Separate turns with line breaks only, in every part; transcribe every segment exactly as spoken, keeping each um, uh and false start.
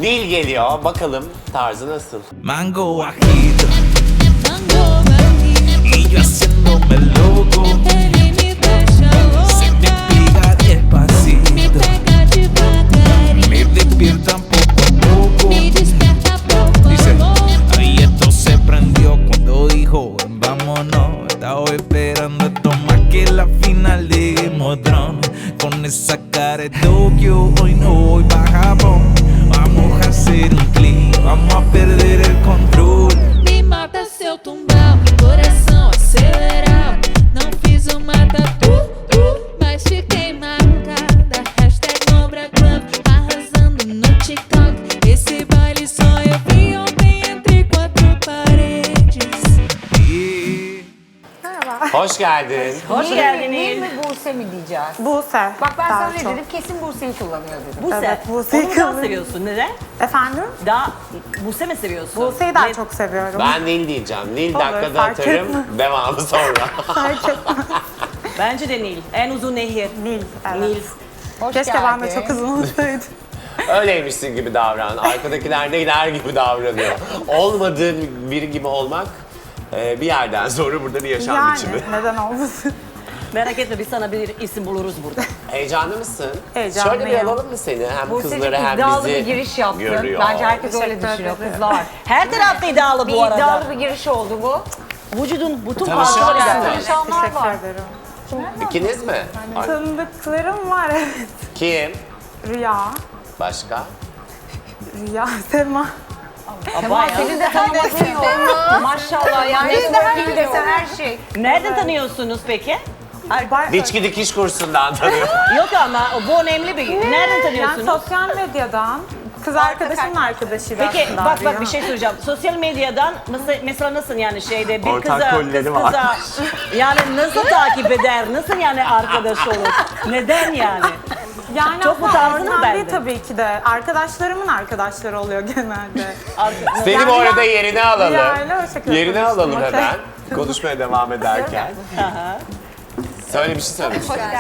Nil geliyor. Bakalım tarzı nasıl?
Mango bajito y yo haciéndome loco. Se me pega despacito, me despiertan poco a poco. Dice, ahí esto se prendió cuando dijo vámonos. Estaba esperando esto más que la final de Game of Thrones. Con esa cara de Tokio hoy no voy pa' Japón. Vamos a hacer un clic, vamos a perder el control.
Me mata seu tumbal, coração acelerado. Não fiz uma tatu, uh, mas fiquei marcada. Hashtag Lombra Club, arrasando no TikTok. Esse baile só eu vi ontem entre quatro paredes.
Yeah.
Merhaba.
Hoş geldin.
Hoş
Nil,
geldin
Nil
Nil.
mi Buse mi diyeceğiz?
Buse.
Bak ben
daha
sana ne
çok.
dedim? Kesin Buse'yi kullanıyor dedim.
Buse.
Evet, Buse'yi
Onu daha
kıldım.
seviyorsun. Neden?
Efendim?
Daha Buse mi seviyorsun?
Buse'yi daha
Ne-
çok seviyorum.
Ben Nil diyeceğim. Nil
Olur,
dakikada
fark
atarım.
etmez.
Devamı sonra.
Fark etmez.
Bence de Nil. En uzun nehir.
Nil, evet.
Nil.
Hoş
Keşke
geldin.
ben de çok uzun olsaydım.
Öyleymişsin gibi davran. Arkadakiler neyler gibi davranıyor. Olmadığın biri gibi olmak e, bir yerden sonra burada bir yaşam
Yani
biçimi.
neden olmasın?
Merak etme biz sana bir isim buluruz burada.
Heyecanlı mısın?
Heyecanlıyım.
Şöyle bir alalım mı seni? Hem
Buse'cik
kızları hem
iddialı
bizi
bir giriş yaptı.
görüyor.
Bence herkes öyle
Teşekkür
düşünüyor
ederim.
kızlar.
Her tarafta iddialı
Bir
bu arada.
iddialı bir giriş oldu bu.
Vücudun bütün
Tanışıyor
parçaları
musun?
iddialı.
Tanışanlar
Teşekkür
var.
ederim.
İkiniz mi? Ay,
Tanıdıklarım var, evet.
Kim?
Rüya.
Başka?
Rüya, Sema.
Ama senin de tanımadığın yok. Maşallah ya. Networking desen her şey.
Nereden tanıyorsunuz peki?
Bay-
Diçki dikiş kursundan tanıyor.
Yok ama bu önemli bir. Nereden
Yani
tanıyorsunuz?
sosyal medyadan. Kız arkadaşımın arkadaşıydı
Peki
aslında
bak
Rüya.
bak bir şey söyleyeceğim. Sosyal medyadan mesela, mesela nasıl yani şeyde bir
Ortak
kıza,
kolleri
kız
var.
kıza yani nasıl takip eder? Nasıl yani arkadaş olur? Neden yani?
Yani
Çok mu
aslında
tarzın mı
orijinal değil
bende?
tabii ki de. Arkadaşlarımın arkadaşları oluyor genelde.
Ar-
Seni bu arada yerine alalım.
Yani o şekilde
Yerine
konuştum,
alalım
okey.
hemen. Konuşmaya devam ederken. Söyle bir şey söyle.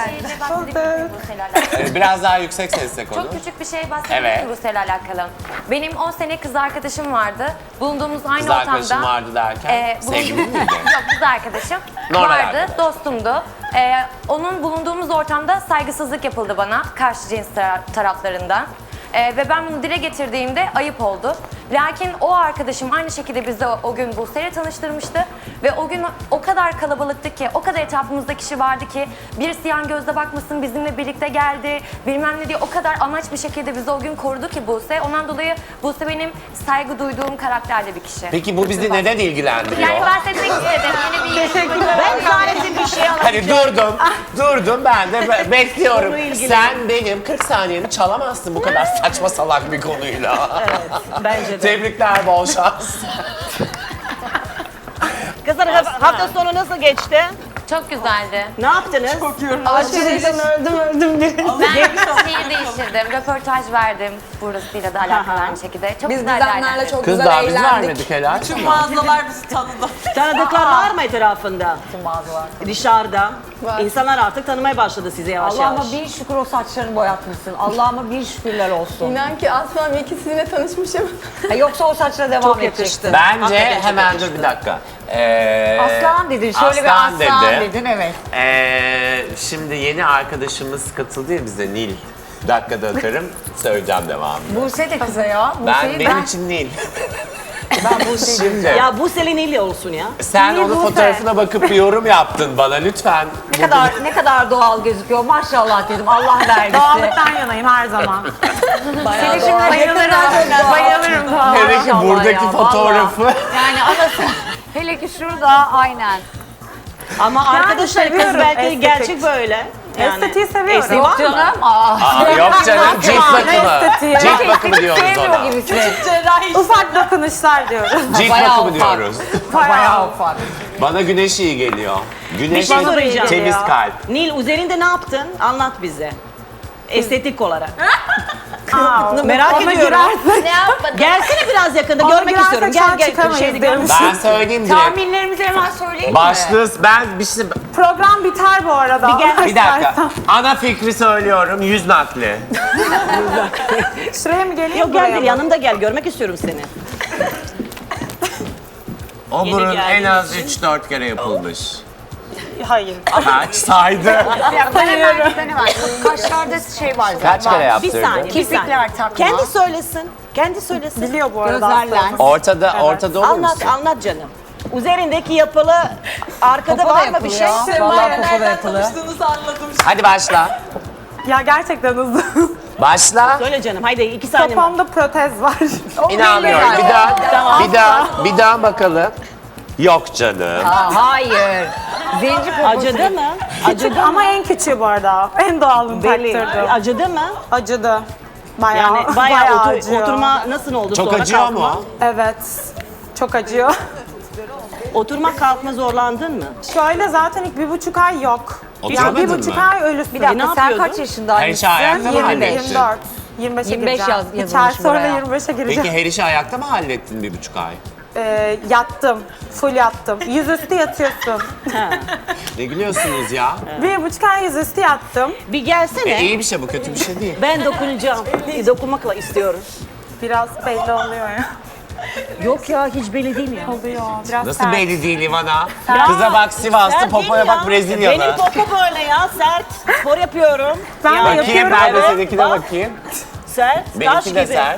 Ee, Biraz daha yüksek sesle konuş.
Çok küçük bir şey bahsedeyim
Evet.
mi Buse'yle alakalı? Benim on sene kız arkadaşım vardı. Bulunduğumuz aynı
Kız
ortamda...
arkadaşım vardı derken,
e, bulunduğumuz-
sevgilin miydi?
Yok, kız arkadaşım
Normal
vardı,
arkadaş.
dostumdu. E, onun bulunduğumuz ortamda saygısızlık yapıldı bana karşı cins tara- taraflarından. E, ve ben bunu dile getirdiğimde ayıp oldu. Lakin o arkadaşım aynı şekilde bizi o, o gün Buse'yle tanıştırmıştı. Ve o gün o kadar kalabalıktı ki, o kadar etrafımızda kişi vardı ki birisi yan gözle bakmasın bizimle birlikte geldi, bilmem ne diye o kadar amaç bir şekilde bizi o gün korudu ki Buse. Ondan dolayı Buse benim saygı duyduğum karakterde bir kişi.
Peki bu bizi neden ilgilendiriyor?
Yani bahsetmek istedim. Yeni bir Teşekkürler.
Ben sadece bir şey
Hani durdum, durdum ben de be- bekliyorum.
Konu ilgili.
Sen benim kırk saniyemi çalamazsın bu kadar saçma salak bir konuyla.
bence de.
Tebrikler, bol şans.
Kızlar hafta hafta sonu nasıl geçti?
Çok güzeldi.
Ne yaptınız?
Alışverişten öldüm öldüm Ben şehir değiştirdim, röportaj verdim burasıyla da alakalı aynı şekilde. Çok
Biz
güzel
düzenlerle
değerlendirdim.
çok
Kız
güzel
daha biz
eğlendik.
vermedik helal.
Mağazalar bizi tanıdı.
Tanıdıklar var mı etrafında?
Bütün mağazalar.
Dışarıda. İnsanlar artık tanımaya başladı sizi yavaş yavaş.
Allah'ıma bir şükür o saçlarını boyatmışsın. Allah'ıma bir şükürler olsun.
İnan ki aslan ikisiyle tanışmışım.
Ha, yoksa o saçla devam
Çok
edecekti.
yakıştı.
Bence
Hakikaten çok
hemen
yakıştı.
dur bir dakika. Ee,
Aslan dedin, şöyle bir aslan
dedim.
dedin, evet.
Ee, şimdi yeni arkadaşımız katıldı ya bize, Nil. Bir dakikada atarım, söyleyeceğim devamını.
Buse de kıza ya.
Ben,
Buse'yi
benim
ben,
için Nil.
ben Buse'yi
Şimdi
Ya bu Selin İlli olsun ya.
sen
Nil
onun
Buse.
fotoğrafına bakıp bir yorum yaptın bana lütfen.
ne kadar ne kadar doğal gözüküyor. Maşallah dedim. Allah vergisi.
Doğallıktan yanayım her zaman.
Seni şimdi
Bayılırım. Bayılırım doğal.
Hele ki
Maşallah
buradaki
ya,
fotoğrafı.
Yani anası. Hele ki şurada aynen.
Ama arkadaşlar kız
seviyorum
belki
estetik.
gerçek böyle.
Estetiği seviyorum.
Estetiği var mı?
Canım. Aa.
Aa, yok canım, cilt bakımı.
estetiği.
Cilt bakımı diyoruz
Sevmiyor
ona.
gibisin.
Cerrahi.
Ufak dokunuşlar diyoruz.
Cilt
Bayağı
bakımı
ufak.
diyoruz.
Bayağı ufak.
Bana güneş iyi geliyor. Güneş
şey
ve
soracağım.
temiz kalp.
Nil üzerinde ne yaptın? Anlat bize. Estetik olarak.
Aa,
Merak
ona
ediyorum.
girersek-
Ne yapmadım?
Gelsene biraz yakında
Ona
görmek istiyorum.
girersek şu an
Gel gel
çıkamayız
şeyde
diyorum.
gör.
Ben söyleyeyim direkt.
Tahminlerimizi hemen söyleyeyim mi?
Başlığı ben bir şey...
Program biter bu arada.
Bir gel-
Bir dakika. Ana fikri söylüyorum. Yüz nakli.
Şuraya mı geleyim?
Yok
buraya
gel
mı?
yanımda gel görmek istiyorum seni.
O
Yeni
burun en
geldiğiniz
az
için.
üç dört kere yapılmış.
Hayır.
Kaç saydı?
Ben hemen, ben hemen. Kaşlarda şey var zaten.
Kaç kere
Bir
yaptırdın?
saniye, bir saniye.
Kirpikler takma.
Kendi söylesin. Kendi söylesin.
Biliyor bu arada.
Gözler
hastamız.
lens.
Ortada,
Evet.
ortada olur
Anlat,
musun?
anlat canım. Üzerindeki yapılı arkada var mı bir şey?
Vallahi popo da yapılır. Tanıştığınızı anladım.
Hadi başla.
Ya gerçekten hızlı.
Başla.
Söyle canım haydi iki saniye.
Kafamda protez var.
İnanmıyorum. Bir daha, bir daha, bir daha bakalım. Yok canım.
Aa, hayır. Zenci poposu.
Acıdı mı?
Küçük ama en küçüğü bu arada. En doğalını
Belli.
taktırdım.
Acıdı mı?
Acıdı. Bayağı,
Yani bayağı, otur-
acıyor.
oturma nasıl oldu
Çok
sonra
acıyor
kalkma?
mu?
Evet. Çok acıyor.
Oturma kalkma zorlandın mı?
Şöyle zaten ilk bir buçuk ay yok.
Oturamadın
Yani bir buçuk
mı?
ay ölüsün.
Bir dakika
ne
sen
yapıyordun?
kaç yaşındaydın?
Her şey ayakta mı
yirmi,
hallettin?
yirmi dört. yirmi beşe
yirmi beş
gireceğim.
yaz-
İki
yazılmış
ay sonra
buraya.
yirmi beşe gireceğim.
Peki her işi ayakta mı hallettin bir buçuk ay?
Ee, yattım. Full yattım. Yüzüstü yatıyorsun.
Ne gülüyorsunuz ya?
Bir buçuk ay yüzüstü yattım.
Bir gelsene.
E, iyi bir şey bu, kötü bir şey değil.
Ben dokunacağım. Dokunmakla istiyorum.
Biraz belli oluyor ya.
Yok ya hiç belli değil ya.
Oluyor. Biraz
Nasıl
sert.
belli değil Ivana? Kıza bak Sivaslı,
Sert
popoya
değil
bak
ya.
Brezilyalı.
Benim popo böyle ya sert. Spor yapıyorum.
Ben de
Yani
Bakayım
yapıyorum.
ben de
Evet,
seninkine
bak.
bakayım.
Sert, taş
Benimki
gibi.
de sert.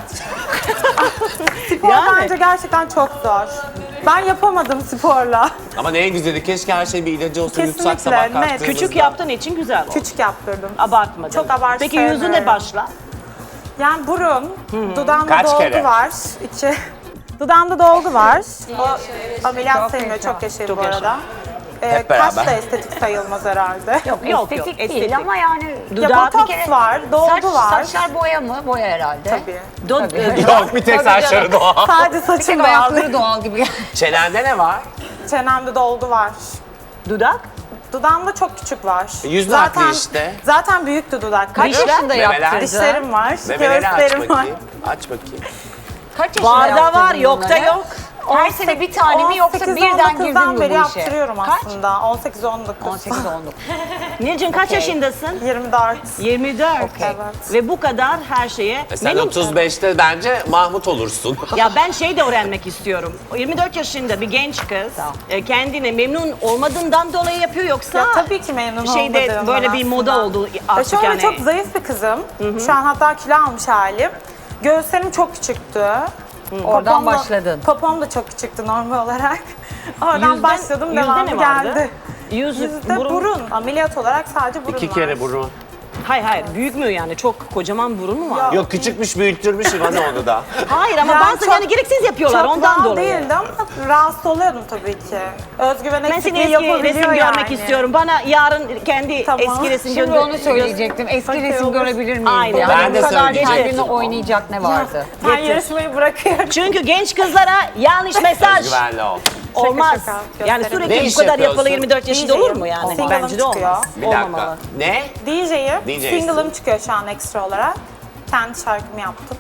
Spor
Yani.
bence gerçekten çok zor. Ben yapamadım sporla.
Ama ne güzeli, keşke her şey bir ilacı olsa yutsak
Kesinlikle,
sabah
net.
kalktığımızda.
Küçük yaptığın için güzel oldu.
Küçük yaptırdım.
Abartmadın.
Çok abartı
Peki yüzüne
sevmiyorum.
başla.
Yani burun, dudağımda
Kaç
dolgu
kere?
var. İki. Dudağımda dolgu var. O ameliyat sayılmıyor, çok yaşayın
Çok
bu
yaşa.
arada. Ee,
Hep
kaş
beraber.
da estetik sayılmaz herhalde.
Yok yok,
Estetik değil
estetik.
ama yani
Ya
Dudağı bir
botoks
kere-
var, dolgu
saç,
var.
saçlar boya mı? Boya herhalde.
Tabii.
Do- e,
Yok, bir tek saçları doğal.
Sadece
Bir
saçım
tek
doğal.
ayakları doğal gibi.
Çenende ne var?
Çenemde dolgu var.
dudak.
Dudağımda çok küçük var.
Yüz nakli işte.
Zaten büyüktü dudak.
Kaç
Dişler-
yaşında
Memeler.
yaptırdın?
Dişlerim var,
Memeleri aç
göğüslerim var.
bakayım. Aç bakayım.
Kaç yaşında
Var da
yaptırdın
var, yok da
bunları?
yok.
Her sene bir tane mi yoksa birden girdin mi bu
beri
işe?
yaptırıyorum
Kaç?
aslında. on sekiz on dokuz.
on sekiz on dokuz.
Nilcim kaç
Okey.
yaşındasın?
yirmi dört.
yirmi dört.
Evet.
Ve bu kadar her şeye.
E sen
Benim-
otuz beşte bence Mahmut olursun.
Ya ben şey de öğrenmek istiyorum. yirmi dört yaşında bir genç kız e, kendine memnun olmadığından dolayı yapıyor yoksa
Ya tabii ki memnun
şeyde
olmadığımdan
böyle bir moda
aslında.
oldu
Ya
artık
şöyle
yani.
çok zayıf bir kızım. Şu an hatta kilo almış halim. Göğüslerim çok küçüktü.
Oradan
Popom da-
başladın.
Popom da çok küçüktü normal olarak. Oradan
Yüzde-
başladım,
yüzde
devamı
ne vardı?
geldi.
Yüz,
Yüzde burun. Ameliyat olarak sadece burun
İki
var.
kere burun.
Hayır hayır büyük mü yani çok kocaman burun mu var?
Yok küçükmüş, büyüttürmüş Ivana onu da.
Hayır ama
Yani
bazı
çok-
yani gereksiz yapıyorlar
Çok
ondan
doğal
dolayı.
değildi ama rahatsız oluyordum tabii ki. Özgüven
Ben seni
eksikliği
eski
yapabiliyor
resim
yani.
görmek istiyorum. Bana yarın kendi
Tamam.
eski resim
Şimdi
gönder-
onu söyleyecektim. Eski
Okey,
resim
olur.
görebilir miyiz?
Aynen.
Yani
Ben
bu
de
kadar
söyleyecektim.
kendini oynayacak ne vardı?
Ben yarışmayı bırakıyorum.
Çünkü genç kızlara yanlış mesaj
Özgüvenli ol.
olmaz.
şaka,
Yani
gösterelim.
sürekli
Ne
bu
iş
kadar
yapıyorsun?
yapılı yirmi dört yaşında
D J'yim.
olur mu yani?
Single'ım
Bence de
çıkıyor.
olmaz.
Bir dakika.
Olmamalı.
Ne?
D J'yim.
D J'sin.
Single'ım çıkıyor şu an ekstra olarak. Kendi şarkımı yaptım.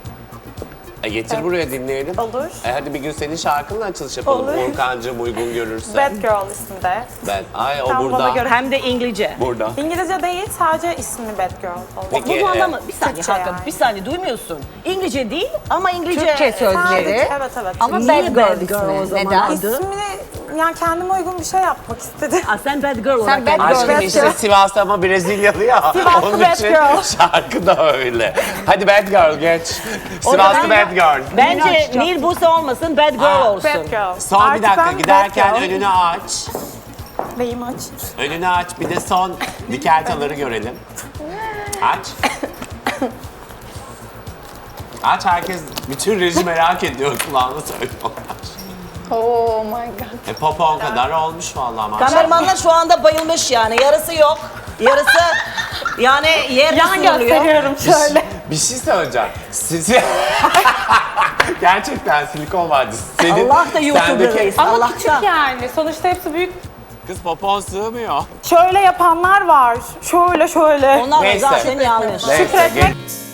E getir buraya dinleyelim.
Olur.
E hadi bir gün senin şarkınla açılış yapalım.
Olur.
Volkan'cığım uygun görürse.
Bad Girl isminde.
Ben. Ay o
Tam bana
burada.
göre.
Hem de İngilizce.
Burada.
İngilizce değil, sadece ismi Bad Girl. oldu.
Peki.
Bu
e,
anlamı bir saniye
Türkçe
Hakan,
yani.
bir saniye duymuyorsun. İngilizce değil ama İngilizce.
Türkçe sözleri.
Sadece- evet evet.
Ama
Niye
bad
bad
girl
girl o
ismi.
zaman?
Neden?
Adı?
İsmini yani kendime uygun bir şey yapmak istedim.
Aa, sen bad girl olarak.
bad
yani.
girl.
Aşkım
Bad
işte
Girl.
Sivas'ta ama Brezilyalı ya.
Sivaslı
Onun
Bad
için
Girl.
şarkı da öyle. Hadi Bad Girl geç. Sivaslı Bad Girl.
Bence Nil Buse olmasın, bad girl
Aa,
olsun.
Bad Girl.
Son bir
Artık
dakika
ben
giderken
Bad Girl.
önünü aç.
Neyimi aç?
Önünü aç bir de son dikeltaları görelim. Aç. Aç, herkes, bütün reji merak ediyor, kulağını söylüyorlar.
Oh my god.
E popon kadar olmuş vallahi maşallah.
Kameramanlar şu anda bayılmış yani. Yarısı yok. Yarısı yani yerde
Yan
sürülüyor.
gösteriyorum şöyle.
Bir şey söyleyeceğim. Sizi... Gerçekten silikon vardı. Senin,
Allah da YouTuber'dayız.
sendeki-
Ama
Allah
küçük yani. Sonuçta hepsi büyük.
Kız popon sığmıyor.
Şöyle yapanlar var. Şöyle şöyle.
Onlar da
Neyse.
zaten yanlış.
Neyse,
Şükretmek
geç.